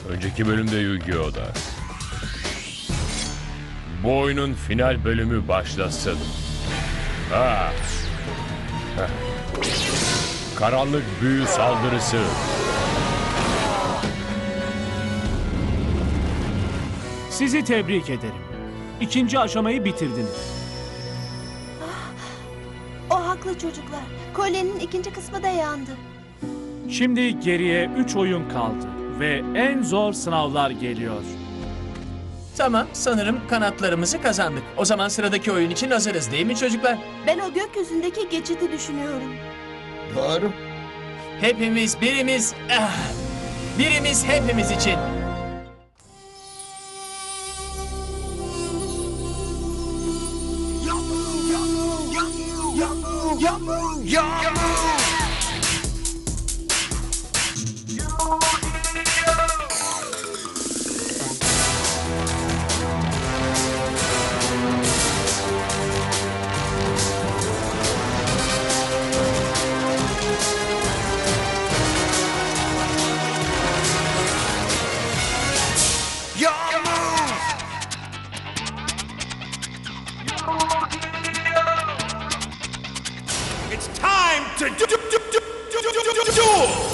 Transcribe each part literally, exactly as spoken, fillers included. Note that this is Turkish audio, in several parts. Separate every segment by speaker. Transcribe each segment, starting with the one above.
Speaker 1: Önceki bölümde Yu-Gi-Oh'da. Bu oyunun final bölümü başlasın. Ha. Heh. Karanlık büyü saldırısı.
Speaker 2: Sizi tebrik ederim. İkinci aşamayı bitirdiniz.
Speaker 3: O haklı çocuklar. Kolyenin ikinci kısmı da yandı.
Speaker 2: Şimdi geriye üç oyun kaldı ve en zor sınavlar geliyor.
Speaker 4: Tamam, sanırım kanatlarımızı kazandık. O zaman sıradaki oyun için hazırız değil mi çocuklar?
Speaker 3: Ben o gökyüzündeki geçidi düşünüyorum.
Speaker 5: Doğru.
Speaker 4: Hepimiz birimiz, ah, birimiz hepimiz için.
Speaker 6: It's time to do, do, do, do, do, do, do, do, do.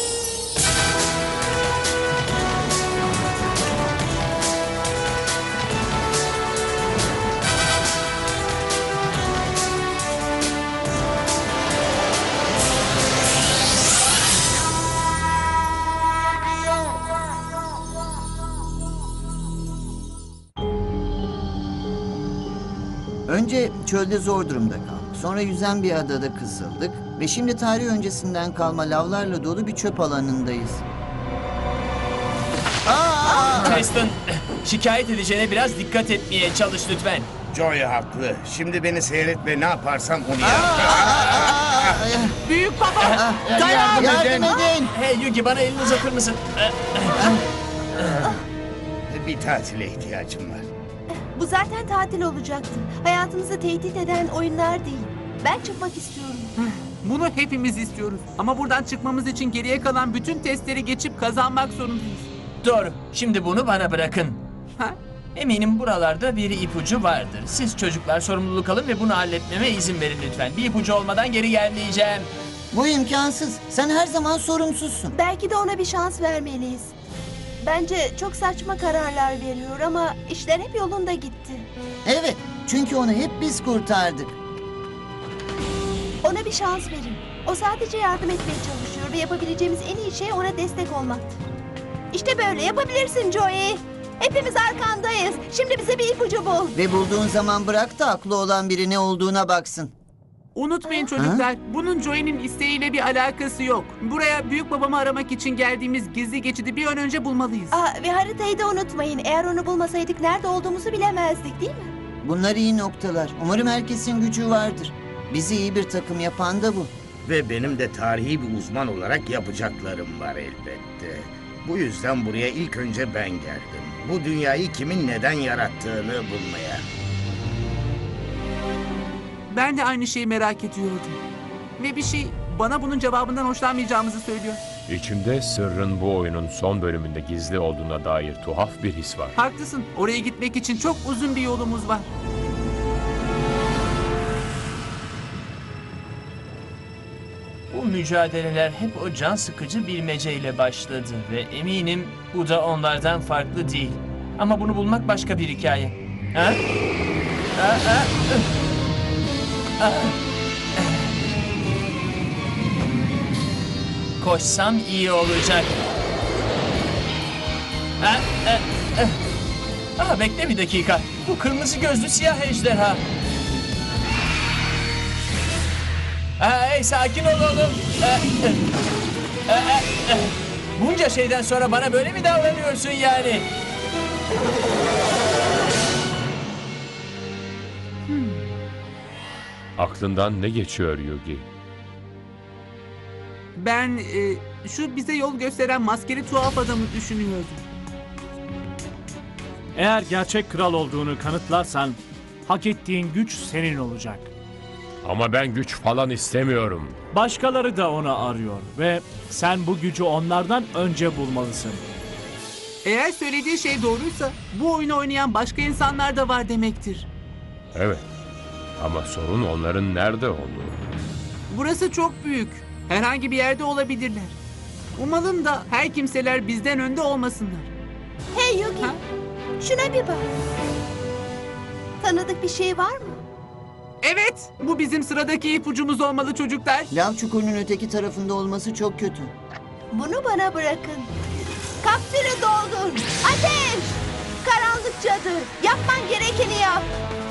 Speaker 5: Önce çölde zor durumda kaldık. Sonra yüzen bir adada kısıldık. Ve şimdi tarih öncesinden kalma lavlarla dolu bir çöp alanındayız.
Speaker 4: Preston, şikayet edeceğine biraz dikkat etmeye çalış lütfen.
Speaker 7: Joey haklı. Şimdi beni seyret ve ne yaparsam onu yap.
Speaker 4: Büyük baba,
Speaker 5: Yardım, yardım edin.
Speaker 4: Hey Yugi, bana elini uzatır mısın?
Speaker 7: Bir tatile ihtiyacım var.
Speaker 3: Bu zaten tatil olacaktı. Hayatımızı tehdit eden oyunlar değil. Ben çıkmak istiyorum.
Speaker 8: Bunu hepimiz istiyoruz. Ama buradan çıkmamız için geriye kalan bütün testleri geçip kazanmak zorundayız.
Speaker 4: Doğru, şimdi bunu bana bırakın.
Speaker 8: Ha?
Speaker 4: Eminim buralarda bir ipucu vardır. Siz çocuklar sorumluluk alın ve bunu halletmeme izin verin lütfen. Bir ipucu olmadan geri gelmeyeceğim.
Speaker 5: Bu imkansız. Sen her zaman sorumsuzsun.
Speaker 3: Belki de ona bir şans vermeliyiz. Bence çok saçma kararlar veriyor ama işler hep yolunda gitti.
Speaker 5: Evet, çünkü onu hep biz kurtardık.
Speaker 3: Ona bir şans verin. O sadece yardım etmeye çalışıyor ve yapabileceğimiz en iyi şey ona destek olmaktır. İşte böyle yapabilirsin Joey. Hepimiz arkandayız. Şimdi bize bir ipucu bul.
Speaker 5: Ve bulduğun zaman bırak da aklı olan biri ne olduğuna baksın.
Speaker 8: Unutmayın çocuklar, bunun Joey'nin isteğiyle bir alakası yok. Buraya büyük babamı aramak için geldiğimiz gizli geçidi bir an önce bulmalıyız.
Speaker 3: Aa, ve haritayı da unutmayın. Eğer onu bulmasaydık nerede olduğumuzu bilemezdik değil mi?
Speaker 5: Bunlar iyi noktalar. Umarım herkesin gücü vardır. Bizi iyi bir takım yapan da bu.
Speaker 7: Ve benim de tarihi bir uzman olarak yapacaklarım var elbette. Bu yüzden buraya ilk önce ben geldim. Bu dünyayı kimin neden yarattığını bulmaya.
Speaker 8: Ben de aynı şeyi merak ediyordum. Ve bir şey bana bunun cevabından hoşlanmayacağımızı söylüyor.
Speaker 1: İçimde sırrın bu oyunun son bölümünde gizli olduğuna dair tuhaf bir his var.
Speaker 8: Haklısın, oraya gitmek için çok uzun bir yolumuz var.
Speaker 4: Bu mücadeleler hep o can sıkıcı bilmeceyle başladı ve eminim bu da onlardan farklı değil. Ama bunu bulmak başka bir hikaye. Ha? Aa, aa, ıh. Aa. Koşsam iyi olacak. Ha, e, e. Aa, bekle bir dakika. Bu kırmızı gözlü siyah ejderha. Aa, hey, sakin ol oğlum. Ee, e, e, e, e. Bunca şeyden sonra bana böyle mi davranıyorsun yani?
Speaker 8: Hmm.
Speaker 1: Aklından ne geçiyor Yugi?
Speaker 8: Ben e, şu bize yol gösteren maskeli tuhaf adamı düşünüyordum.
Speaker 2: Eğer gerçek kral olduğunu kanıtlarsan hak ettiğin güç senin olacak.
Speaker 1: Ama ben güç falan istemiyorum.
Speaker 2: Başkaları da onu arıyor ve sen bu gücü onlardan önce bulmalısın.
Speaker 8: Eğer söylediği şey doğruysa bu oyunu oynayan başka insanlar da var demektir.
Speaker 1: Evet. Ama sorun onların nerede olduğu.
Speaker 8: Burası çok büyük. Herhangi bir yerde olabilirler. Umalım da her kimseler bizden önde olmasınlar.
Speaker 3: Hey Yugi,
Speaker 8: Ha?
Speaker 3: şuna bir bak. Tanıdık bir şey var mı?
Speaker 8: Evet, bu bizim sıradaki ipucumuz olmalı çocuklar.
Speaker 5: Lav çukurunun öteki tarafında olması çok kötü.
Speaker 3: Bunu bana bırakın. Kapsülü doldur. Ateş! Karanlık cadı, yapman gerekeni yap.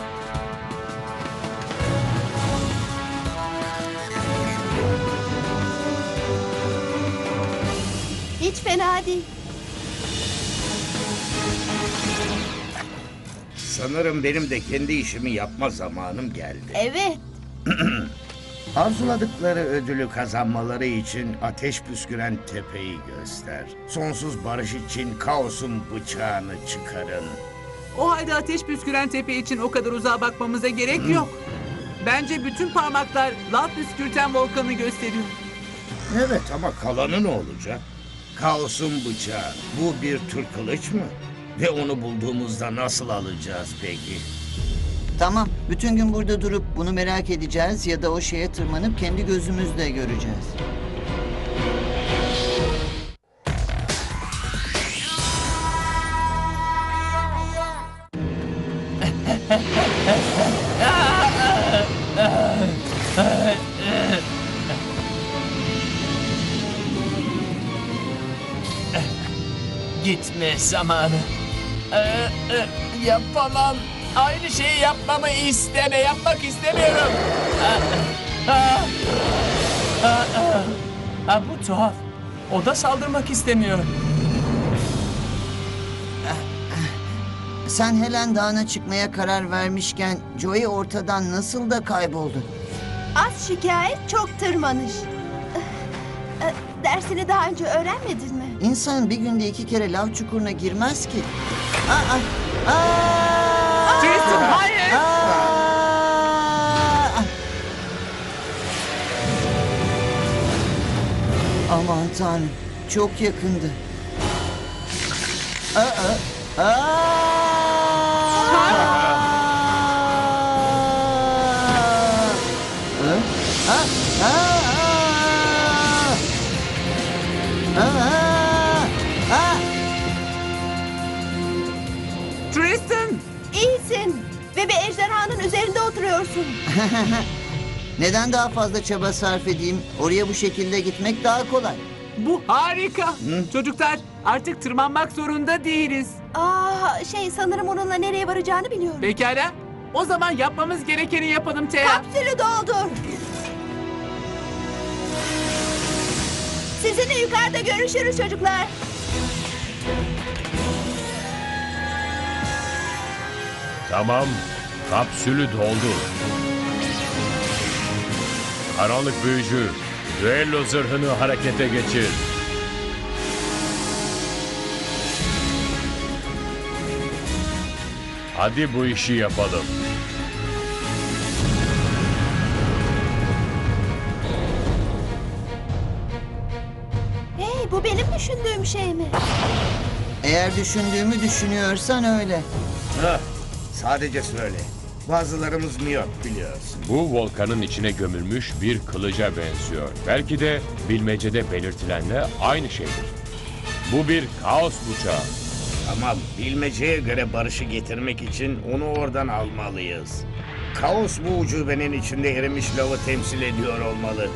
Speaker 3: Hiç fena değil.
Speaker 7: Sanırım benim de kendi işimi yapma zamanım geldi.
Speaker 3: Evet.
Speaker 7: Arzuladıkları ödülü kazanmaları için ateş püsküren tepeyi göster. Sonsuz barış için kaosun bıçağını çıkarın.
Speaker 8: O halde ateş püsküren tepe için o kadar uzağa bakmamıza gerek yok. Bence bütün parmaklar lav püskürten volkanı gösteriyor.
Speaker 7: Evet ama kalanı ne olacak? Kaosun bıçağı. Bu bir tür kılıç mı? Ve onu bulduğumuzda nasıl alacağız peki?
Speaker 5: Tamam, bütün gün burada durup bunu merak edeceğiz ya da o şeye tırmanıp kendi gözümüzle göreceğiz.
Speaker 4: Gitme zamanı. Ee, e, yapamam. Aynı şeyi yapmamı isteme. Yapmak istemiyorum. Aa, aa, aa, aa. Aa, bu tuhaf. O da saldırmak istemiyor.
Speaker 5: Sen Helen Dağı'na çıkmaya karar vermişken Joey ortadan nasıl da kayboldu?
Speaker 3: Az şikayet, çok tırmanış. Eh, eh, Dersini daha önce öğrenmedin mi?
Speaker 5: İnsan bir günde iki kere lav çukuruna girmez ki. Aa, aa,
Speaker 8: Tristan, hayır!
Speaker 5: aa. Aman tanrım, çok yakındı. Aa, aa, aa. Hı? Aa, aa, aa. Aa, aa.
Speaker 8: Tristan!
Speaker 3: İyisin ve bir ejderhanın üzerinde oturuyorsun.
Speaker 5: Neden daha fazla çaba sarf edeyim? Oraya bu şekilde gitmek daha kolay.
Speaker 8: Bu harika. Çocuklar artık tırmanmak zorunda değiliz.
Speaker 3: Aa, şey sanırım onunla nereye varacağını biliyorum.
Speaker 8: Pekala. O zaman yapmamız gerekeni yapalım Thea.
Speaker 3: Kapsülü doldur. Sizinle yukarıda görüşürüz çocuklar.
Speaker 1: Tamam. Kapsülü doldur. Karanlık büyücü, düello zırhını harekete geçir. Hadi bu işi yapalım.
Speaker 3: Hey, bu benim düşündüğüm şey mi?
Speaker 5: Eğer düşündüğümü düşünüyorsan öyle.
Speaker 7: Hah, sadece söyle. Bazılarımız miyop biliyorsun.
Speaker 1: Bu volkanın içine gömülmüş bir kılıca benziyor. Belki de bilmecede belirtilenle aynı şeydir. Bu bir kaos bıçağı.
Speaker 7: Tamam, bilmeceye göre barışı getirmek için onu oradan almalıyız. Kaos bu ucubenin içinde erimiş lavı temsil ediyor olmalı.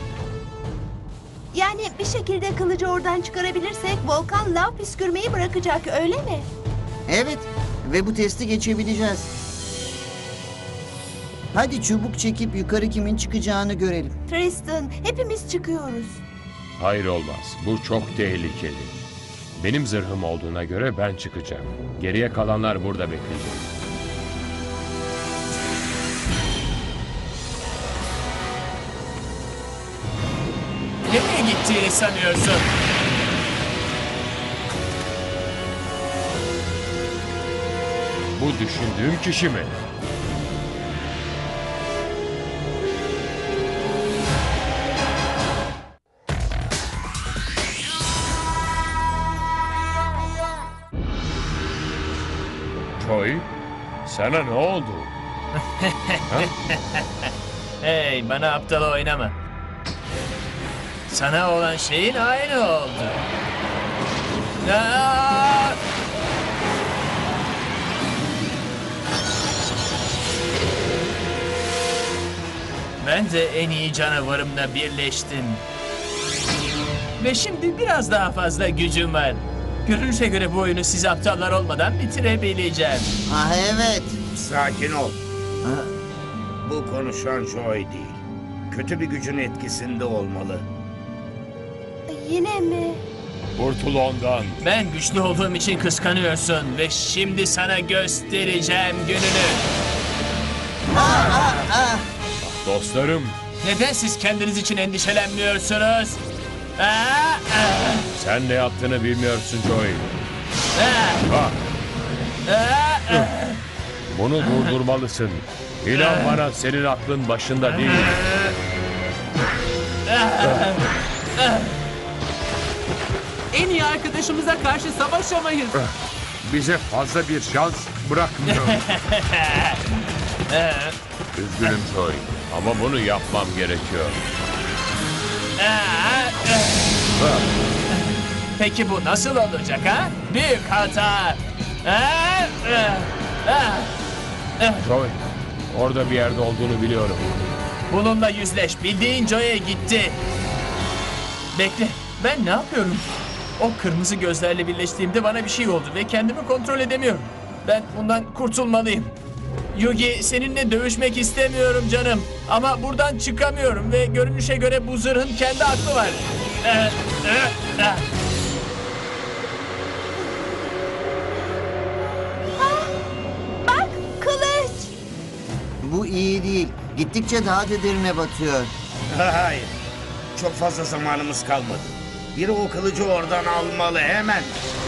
Speaker 3: Yani bir şekilde kılıcı oradan çıkarabilirsek volkan lav püskürmeyi bırakacak, öyle mi?
Speaker 5: Evet ve bu testi geçebileceğiz. Hadi çubuk çekip yukarı kimin çıkacağını görelim.
Speaker 3: Tristan, hepimiz çıkıyoruz.
Speaker 1: Hayır olmaz. Bu çok tehlikeli. Benim zırhım olduğuna göre ben çıkacağım. Geriye kalanlar burada bekleyecek.
Speaker 4: Nereye gittiğini sanıyorsun?
Speaker 1: Bu düşündüğüm kişi mi? Joey, sana ne oldu?
Speaker 4: Hey, bana aptal oynama. Sana olan şeyin aynı oldu. Aa! Ben de en iyi canavarımla birleştim. Ve şimdi biraz daha fazla gücüm var. Görünüşe göre bu oyunu siz aptallar olmadan bitirebileceğim.
Speaker 5: Ah evet.
Speaker 7: Sakin ol.
Speaker 5: Ha,
Speaker 7: Bu konuşan Joy değil. Kötü bir gücün etkisinde olmalı.
Speaker 3: Yine mi?
Speaker 1: Kurtul ondan.
Speaker 4: Ben güçlü olduğum için kıskanıyorsun ve şimdi sana göstereceğim gününü.
Speaker 1: Dostlarım,
Speaker 4: Neden siz kendiniz için endişelenmiyorsunuz? Aa, aa,
Speaker 1: sen ne yaptığını bilmiyorsun Joey.
Speaker 4: aa,
Speaker 1: Bak,
Speaker 4: aa, aa.
Speaker 1: bunu durdurmalısın. İnan bana, senin aklın başında değil.
Speaker 8: En iyi arkadaşımıza karşı savaşamayız.
Speaker 1: Bize fazla bir şans bırakmıyor. Üzgünüm Joey, ama bunu yapmam gerekiyor.
Speaker 4: Peki bu nasıl olacak ha? Büyük hata. Aa, aa, aa.
Speaker 1: Joey, orada bir yerde olduğunu biliyorum.
Speaker 4: Bununla yüzleş. Bildiğin Joy'e gitti. Bekle. Ben ne yapıyorum? O kırmızı gözlerle birleştiğimde bana bir şey oldu ve kendimi kontrol edemiyorum. Ben bundan kurtulmalıyım. Yugi, seninle dövüşmek istemiyorum canım. Ama buradan çıkamıyorum ve görünüşe göre bu zırhın kendi aklı var. Ee, e, e.
Speaker 3: Bak, kılıç.
Speaker 5: bu iyi değil. Gittikçe daha dedirine batıyor.
Speaker 7: Hayır. Çok fazla zamanımız kalmadı. Biri o kılıcı oradan almalı hemen.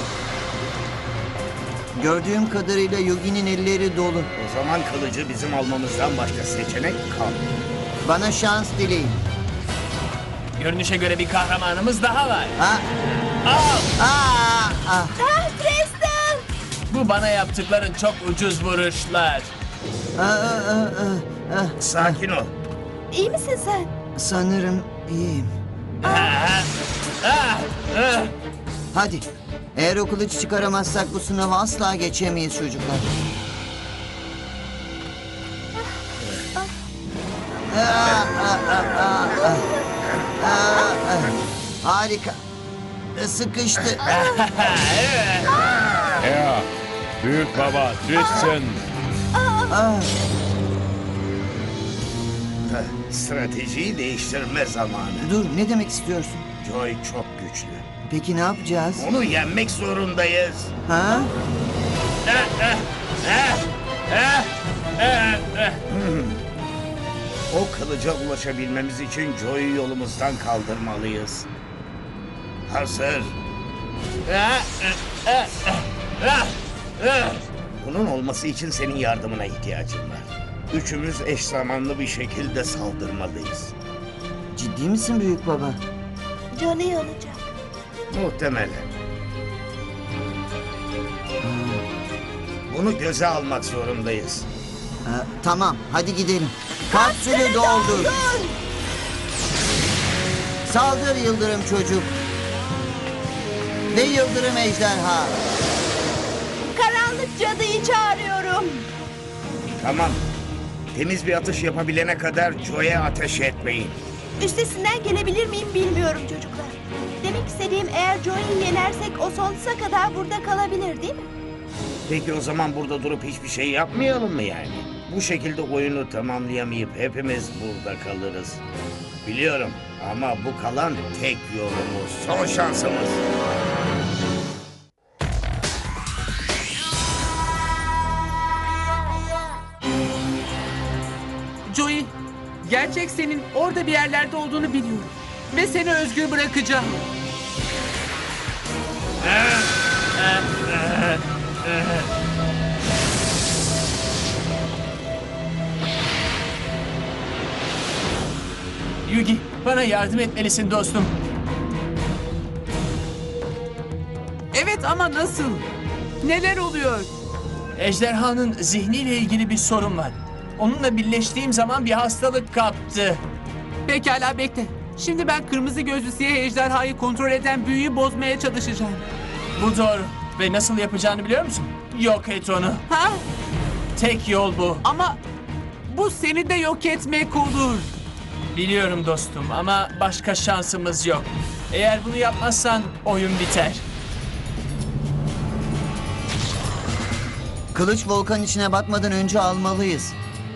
Speaker 5: Gördüğüm kadarıyla Yugi'nin elleri dolu.
Speaker 7: O zaman kılıcı bizim almamızdan başka seçenek kalmıyor.
Speaker 5: Bana şans dileyin.
Speaker 4: Görünüşe göre bir kahramanımız daha var.
Speaker 5: Ha?
Speaker 4: Al!
Speaker 5: Aa, ah.
Speaker 3: Ah, Preston.
Speaker 4: Bu bana yaptıkların çok ucuz vuruşlar.
Speaker 5: Aa, aa, aa, aa.
Speaker 7: Sakin ol.
Speaker 3: İyi misin sen?
Speaker 5: Sanırım iyiyim.
Speaker 4: Ah, ah, ah.
Speaker 5: Hadi. Eğer o kılıcı çıkaramazsak bu sınavı asla geçemeyiz çocuklar. Aa, aa, aa, aa, aa. Aa, aa. Harika. Sıkıştı.
Speaker 1: Ya, büyük baba Tristan.
Speaker 5: Ah,
Speaker 7: Stratejiyi değiştirme zamanı.
Speaker 5: dur, ne demek istiyorsun?
Speaker 7: Joy çok güçlü.
Speaker 5: Peki ne yapacağız?
Speaker 7: Onu yenmek zorundayız.
Speaker 5: Ha?
Speaker 7: O kılıca ulaşabilmemiz için Joy'u yolumuzdan kaldırmalıyız. Hazır.
Speaker 4: Ah, ah, ah, ah.
Speaker 7: Bunun olması için senin yardımına ihtiyacım var. Üçümüz eş zamanlı bir şekilde saldırmalıyız.
Speaker 5: Ciddi misin büyük baba?
Speaker 3: Johnny olacak.
Speaker 7: Muhtemelen. Bunu göze almak zorundayız.
Speaker 5: Ha, tamam, hadi gidelim. Kapsülü doldur. Saldır yıldırım çocuk. Ve yıldırım ejderha.
Speaker 3: Karanlık cadıyı çağırıyorum.
Speaker 7: Tamam. Temiz bir atış yapabilene kadar Joy'e ateş etmeyin.
Speaker 3: Üstesinden gelebilir miyim bilmiyorum çocuklar. Demek istediğim, eğer Joey'i yenersek o sonsuza kadar burada kalabilir değil mi?
Speaker 7: Peki o zaman burada durup hiçbir şey yapmayalım mı yani? Bu şekilde oyunu tamamlayamayıp hepimiz burada kalırız. Biliyorum ama bu kalan tek yolumuz, son şansımız.
Speaker 8: Joey, gerçek senin orada bir yerlerde olduğunu biliyorum. Ve seni özgür bırakacağım.
Speaker 4: Yugi, bana yardım etmelisin dostum.
Speaker 8: Evet ama nasıl? Neler oluyor?
Speaker 4: Ejderhanın zihniyle ilgili bir sorun var. Onunla birleştiğim zaman bir hastalık kaptı.
Speaker 8: Pekala bekle. Şimdi ben kırmızı gözlü siyah ejderhayı kontrol eden büyüyü bozmaya çalışacağım.
Speaker 4: Bu doğru. Ve nasıl yapacağını biliyor musun? Yok et onu.
Speaker 8: Ha?
Speaker 4: Tek yol bu.
Speaker 8: Ama bu seni de yok etmek olur.
Speaker 4: Biliyorum dostum ama başka şansımız yok. Eğer bunu yapmazsan oyun biter.
Speaker 5: Kılıç volkan içine batmadan önce almalıyız.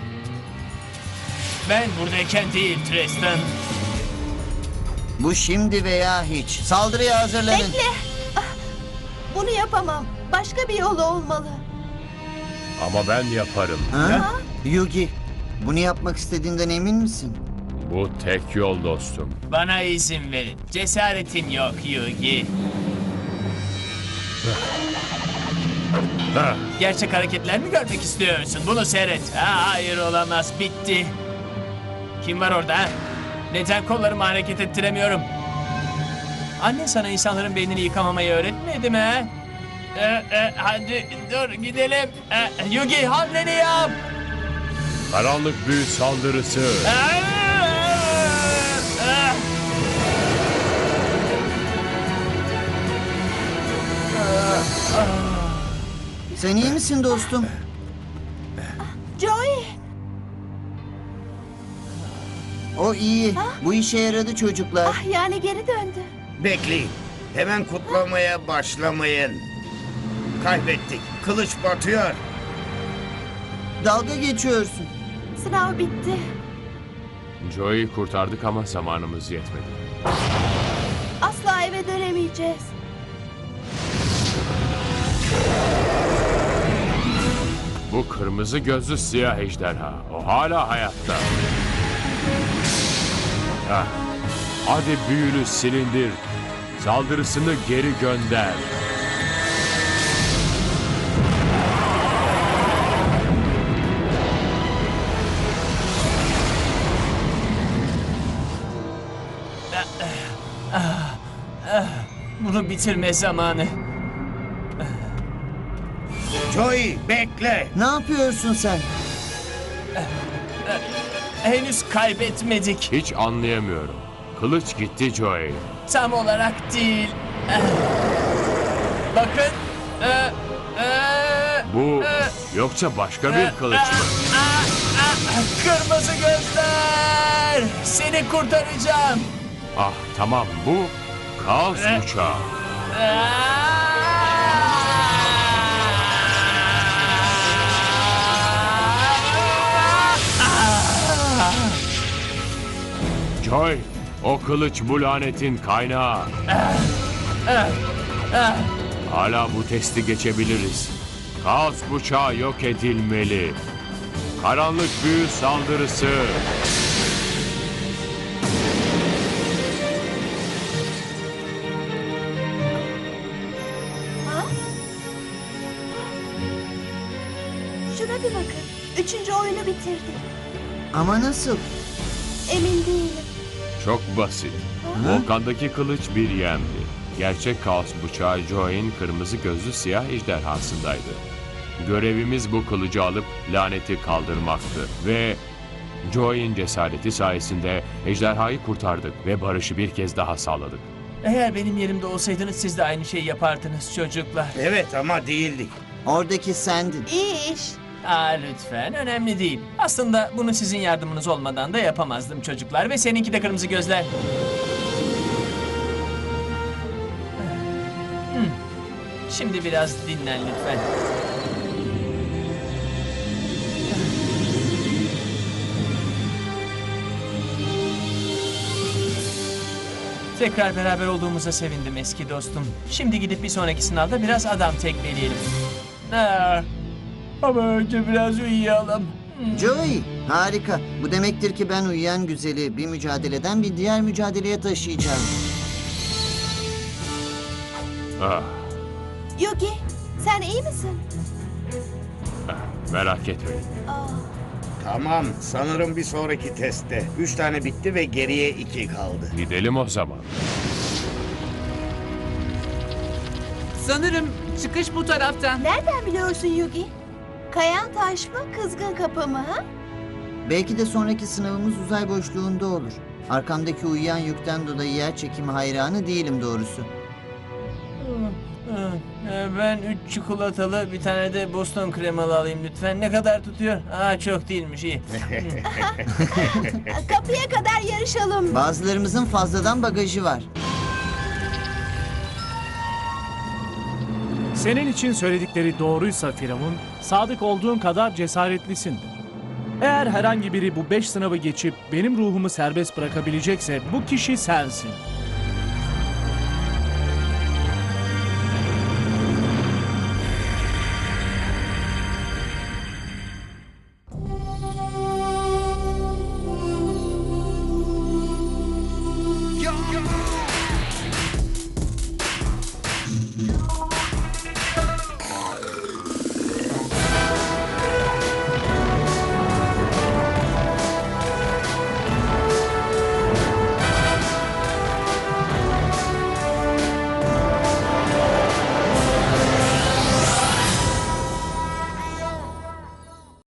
Speaker 4: Ben buradayken değil Tristan.
Speaker 5: Bu şimdi veya hiç. Saldırıya hazırlanın.
Speaker 3: Bekle. Ah, bunu yapamam. Başka bir yolu olmalı.
Speaker 1: Ama ben yaparım.
Speaker 5: Ha? Yugi, bunu yapmak istediğinden emin misin?
Speaker 1: Bu tek yol dostum.
Speaker 4: Bana izin verin. Cesaretim yok Yugi.
Speaker 1: Heh.
Speaker 4: Gerçek hareketler mi görmek istiyorsun? Bunu seyret. Ha, hayır olamaz. Bitti. Kim var orada? ha? Neden kollarımı hareket ettiremiyorum? Anne sana insanların beynini yıkamamayı öğretmedi mi? ha? Ee, e, hadi dur gidelim. Ee, Yugi hamleni yap.
Speaker 1: Karanlık büyü saldırısı.
Speaker 4: Aa! Aa!
Speaker 5: Sen iyi misin dostum?
Speaker 3: Joey.
Speaker 5: O iyi. Bu işe yaradı çocuklar.
Speaker 3: Ah, yani geri döndü.
Speaker 7: Bekleyin. Hemen kutlamaya başlamayın. Kaybettik. Kılıç batıyor.
Speaker 5: Dalga geçiyorsun.
Speaker 3: Sınav bitti.
Speaker 1: Joey'i kurtardık ama zamanımız yetmedi.
Speaker 3: Asla eve dönemeyeceğiz.
Speaker 1: Bu kırmızı gözlü siyah ejderha. O hala hayatta. Hah. Hadi büyünü silindir. Saldırısını geri gönder.
Speaker 4: Bunu bitirme zamanı.
Speaker 7: Joey bekle.
Speaker 5: Ne yapıyorsun sen?
Speaker 4: Henüz kaybetmedik.
Speaker 1: Hiç anlayamıyorum. Kılıç gitti Joey.
Speaker 4: Tam olarak değil. Eh. Bakın. Eh, eh,
Speaker 1: Bu
Speaker 4: eh,
Speaker 1: yoksa başka
Speaker 4: eh,
Speaker 1: bir kılıç mı?
Speaker 4: ah, ah, ah, Kırmızı gözler. Seni kurtaracağım.
Speaker 1: Ah tamam, bu kaos
Speaker 4: Eh.
Speaker 1: uçağı. Joy, o kılıç bu lanetin kaynağı. Hala bu testi geçebiliriz. Kaos bıçağı yok edilmeli. Karanlık büyü saldırısı.
Speaker 3: Ha? Şuna bir bakın. Üçüncü oyunu bitirdik.
Speaker 5: Ama nasıl?
Speaker 3: Emin değilim.
Speaker 1: Çok basit. Volkandaki kılıç bir yemdi. Gerçek kaos bıçağı Joy'in kırmızı gözlü siyah ejderhasındaydı. Görevimiz bu kılıcı alıp laneti kaldırmaktı ve Joy'in cesareti sayesinde ejderhayı kurtardık ve barışı bir kez daha sağladık.
Speaker 4: Eğer benim yerimde olsaydınız siz de aynı şeyi yapardınız çocuklar.
Speaker 7: Evet ama değildik.
Speaker 5: Oradaki sendin.
Speaker 3: İyi iş.
Speaker 4: Aa, lütfen önemli değil. Aslında bunu sizin yardımınız olmadan da yapamazdım çocuklar ve seninki de kırmızı gözler. Hmm. Şimdi biraz dinlen lütfen. Tekrar beraber olduğumuza sevindim eski dostum. Şimdi gidip bir sonraki sınavda biraz adam tekmeleyelim. Aa, ama önce biraz uyuyalım.
Speaker 5: Joey, harika. Bu demektir ki ben uyuyan güzeli bir mücadeleden bir diğer mücadeleye taşıyacağım.
Speaker 1: Ah,
Speaker 3: Yugi, sen iyi misin?
Speaker 1: merak etmeyin.
Speaker 3: Aa,
Speaker 7: Tamam, sanırım bir sonraki testte. Üç tane bitti ve geriye iki kaldı.
Speaker 1: Gidelim o zaman.
Speaker 8: Sanırım çıkış bu taraftan.
Speaker 3: nereden biliyorsun Yugi? Kayan taş mı, kızgın kapı mı? Ha?
Speaker 5: Belki de sonraki sınavımız uzay boşluğunda olur. Arkamdaki uyuyan yükten dolayı yer çekimi hayranı değilim doğrusu.
Speaker 4: Ee, Ben üç çikolatalı bir tane de Boston kremalı alayım lütfen. Ne kadar tutuyor? Aa çok değilmiş iyi.
Speaker 3: Kapıya kadar yarışalım.
Speaker 5: Bazılarımızın fazladan bagajı var.
Speaker 2: Senin için söyledikleri doğruysa Firavun, sadık olduğun kadar cesaretlisindir. Eğer herhangi biri bu beş sınavı geçip benim ruhumu serbest bırakabilecekse bu kişi sensin.